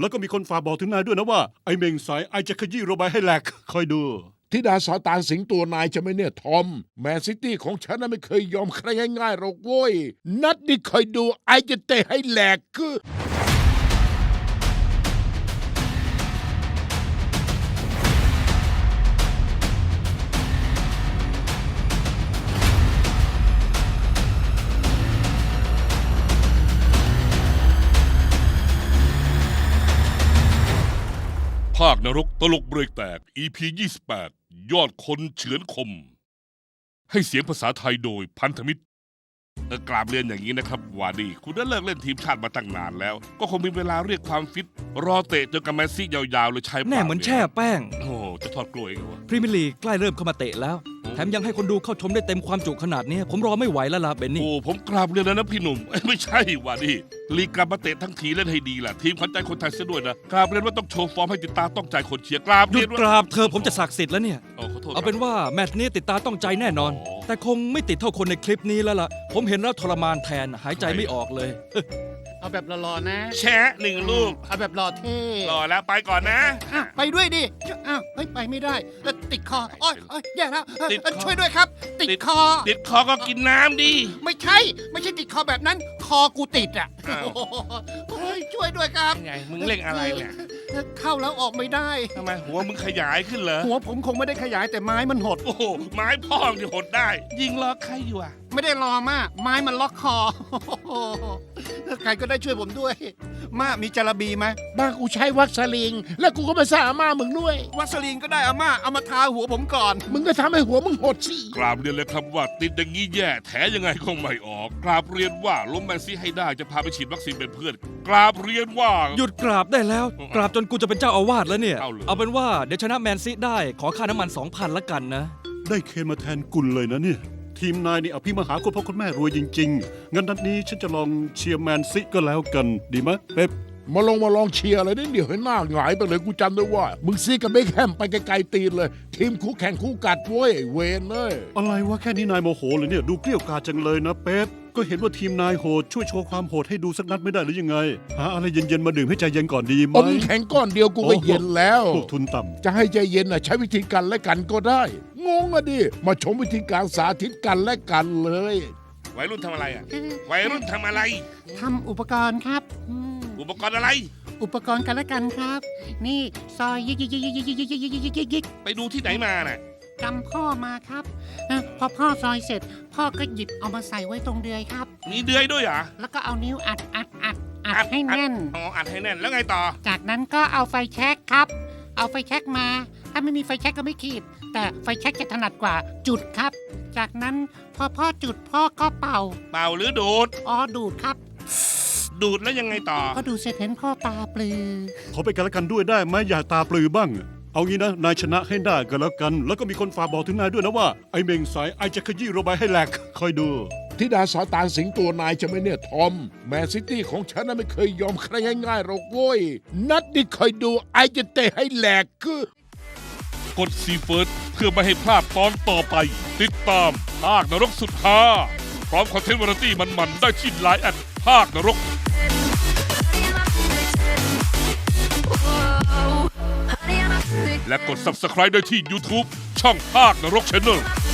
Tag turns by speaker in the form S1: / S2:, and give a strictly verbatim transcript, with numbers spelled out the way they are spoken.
S1: แล้วก็มีคนฝากบอกถึงนายด้วยนะว่าไอ้เมงสายไอจะขยี้โรบายให้แหลกคอยดู
S2: ธิดาสาตานสิงตัวนายจะไหม่เนี่ยทอมแมนซิตี้ของฉันน่ะไม่เคยยอมใครง่ายๆหรอกโว้ยนัดนี้คอยดูไอจะเตะให้แหลกคือ
S3: ภาคนรกตลกเบรกแตก อี พี ยี่สิบแปด ยอดคนเฉือนคม ให้เสียงภาษาไทยโดยพันธมิตรเออกราบเรียนอย่างนี้นะครับวาดีคุณได้เลิกเล่นทีมชาติมาตั้งนานแล้ว ก็คงมีเวลาเรียกความฟิต รอเตะจนกับแมนซี่ยาวๆเลยใช้ปาก
S4: แน่เหมือนแช่แป้ง
S3: โอ้โหจะทอดกล้วยกันวะ
S4: พรีเมียร์ลีกใกล้เริ่มเข้ามาเตะแล้ว แถมยังให้คนดูเข้าชมได้เต็มความจุขนาดนี้ ผมรอไม่ไหวแล้วล่ะเบนนี่
S3: โอ้ผมกราบเรียนแล้วนะพี่หนุ่มเอ้ยไม่ใช่วาดีลีกกลับมาเตะทั้งทีเล่นให้ดีล่ะทีมขวัญใจคนไทยเสียด้วยนะกราบเรียนว่าต้องโชว์ฟอร์มให้ติดตาต้องใจคนเชียร์กราบ
S4: หยุ
S3: เรีย
S4: ด
S3: นว่าก
S4: ราบเธอผมจะศักดิ์สิทธิ์แล้วเนี่ย
S3: โอ้ขอโทษ
S4: เอาเป็นว่าแมตช์นี้ติดตาต้องใจแน่นอน
S3: อ๋อ
S4: แต่คงไม่ติดเท่าคนในคลิปนี้แล้วล่ะ ผมเห็นแล้วทรมานแทนหายใจไม่ออกเลย
S5: เอาแบบหล่อๆนะ
S3: แชะหนึ่งลูก
S5: เอาแบบหล่อเท่
S3: รอแล้วไปก่อนนะ
S5: อ่ะไปด้วยดิอ้าวเฮ้ยไปไม่ได้เอ่อติดคอโอ้ยโอ้ยแย่แล้วเอ่อ
S3: ติดคอ
S5: เอ่อช่วยด้วยครับ ติด
S3: ติด
S5: คอ
S3: ติดคอก็กินน้ำดิ
S5: ไม่ใช่ ไม่ใช่ติดคอแบบนั้น คอกูติดอ่ะ
S3: อ้าว
S5: โอ้โหเฮ้ยช่วยด้วยครับ
S3: ยังไงมึงเล่งอะไรเนี่ย
S5: เข้าแล้วออกไม่ได้
S3: ทำไมหัวมึงขยายขึ้นเหรอ
S5: หัวผมคงไม่ได้ขยายแต่ไม้มันหด
S3: โอ้โหไม้พ่องที่หดได้ ยิงล้อใครอยู่อ่ะ
S5: ไม่ได้รอมากไม้มันล็อกคอโอ้โหใครก็ได้ช่วยผมด้วย มามีจาระบีไหม
S2: บ้านกูใช้วัคซาลิง แล้วกูก็มาสร้างอาม่ามึงด้วย
S5: วัสลีนก็ได้อาม่าเอามาทาหัวผมก่อน
S2: มึงก็ทำให้หัวมึงหดสิ
S3: กราบเรียนเลยครับว่าติดอย่างนี้แย่แถยังไงก็ไม่ออก กราบเรียนว่าล้มแมนซี่ให้ได้จะพาไปฉีดวัคซีนเป็นเพื่อน กราบเรียนว่า
S4: หยุดกราบได้แล้ว กราบจนกูจะเป็นเจ้าอาวาสแล้วเนี่ย
S3: เอาเลย
S4: เอาเป็นว่าเดี๋ยวชนะแมนซีได้ขอค่าน้ำมัน สองพัน ละกันนะ
S1: ได้เคนมาแทนกุลเลยนะเนี่ยทีมนายนี่อภิมหาคุณพ่อคุณแม่รวยจริงๆงั้นนัดนี้ฉันจะลองเชียร์แมนซิก็แล้วกันดีไหมเป๊ป
S2: มาลองมาลองเชียร์อะไรนี่เดี๋ยวให้หน้าหงายไปเลยกูจำได้ว่า มึงซีกับเบคแฮมไปไกลๆตีนเลย ทีมคู่แข่งคู่กัดเว้ยไอ้เวนเลย
S1: อะไรวะแค่นี้นายโมโหเลยเนี่ยดูเกลี้ยวกราดจังเลยนะเป๊ปก็เห็นว่าทีมนายโหดช่วยโชว์ความโหดให้ดูสักนัดไม่ได้หรือยังไงหาอะไรเย็นๆมาดื่มให้ใจเย็นก่อนดีไหม
S2: อมแข็งก้อนเดียวกูก็เย็นแล้ว
S1: พวกทุนต่ำ
S2: จะให้ใจเย็นอ่ะใช้วิธีกันและกันก็ได้ งงอ่ะดิ มาชมวิธีการสาธิตกันและกันเลย
S3: วัยรุ่นทำอะไรอ่ะ วัยรุ่นทำอะไร
S5: ทำอุปกรณ์ครับอืม
S3: อุปกรณ์อะไร
S5: อุปกรณ์กันและกันครับ นี่ซอยยิกยิกยิกยิกยิกยิกยิกยิกยิกยิกยิก
S3: ไปดูที่ไหนมาน่ะ
S5: จำพ่อมาครับเอ่อพอพ่อซอยเสร็จ พ่อก็หยิบเอามาใส่ไว้ตรงเดือยครับ
S3: มีเดือยด้วยเหรอ
S5: แล้วก็เอานิ้วอัดอัดอัดอัดให้แน่น
S3: อ๋ออัดให้แน่นแล้วไงต่อ
S5: จากนั้นก็เอาไฟแช็กครับ เอาไฟแช็กมา ถ้าไม่มีไฟแช็กก็ไม่ขีด แต่ไฟแช็กจะถนัดกว่าจุดครับ จากนั้นพอพ่อจุดพ่อก็เป่า
S3: เป่าหรือดูด
S5: อ๋อดูดครับ
S3: ดูดแล้วยังไงต่อ
S5: พอดูดเสร็จเห็นพ่อตาปลือ
S1: ขอไปกันแล้วกันด้วยได้ไหมอย่าตาปลือบ้าง เอางี้นะนายชนะให้ได้ก็แล้วกัน แล้วก็มีคนฝากบอกถึงนายด้วยนะว่าไอ้เมงสายไอจะขยี้โรบายให้แหลกคอยดู
S2: ธิดาสาตานสิงตัวนายจะไหม่เนี่ยทอมแมนซิตี้ของฉันน่ะไม่เคยยอมใครง่ายๆหรอกโว้ยนัดนี้คอยดูไอจะเตะให้แหลกคือก
S3: ดซีเฟิร์สเพื่อไม่ให้พลาดตอนต่อไป ติดตามภาคนรกสุดฮาพร้อมคอนเทนต์วาไรตี้มันๆได้ที่ไลน์แอดภาคนรก และกด ซับสไครบ์ ได้ที่ ยูทูบ ช่องภาคนรก Channel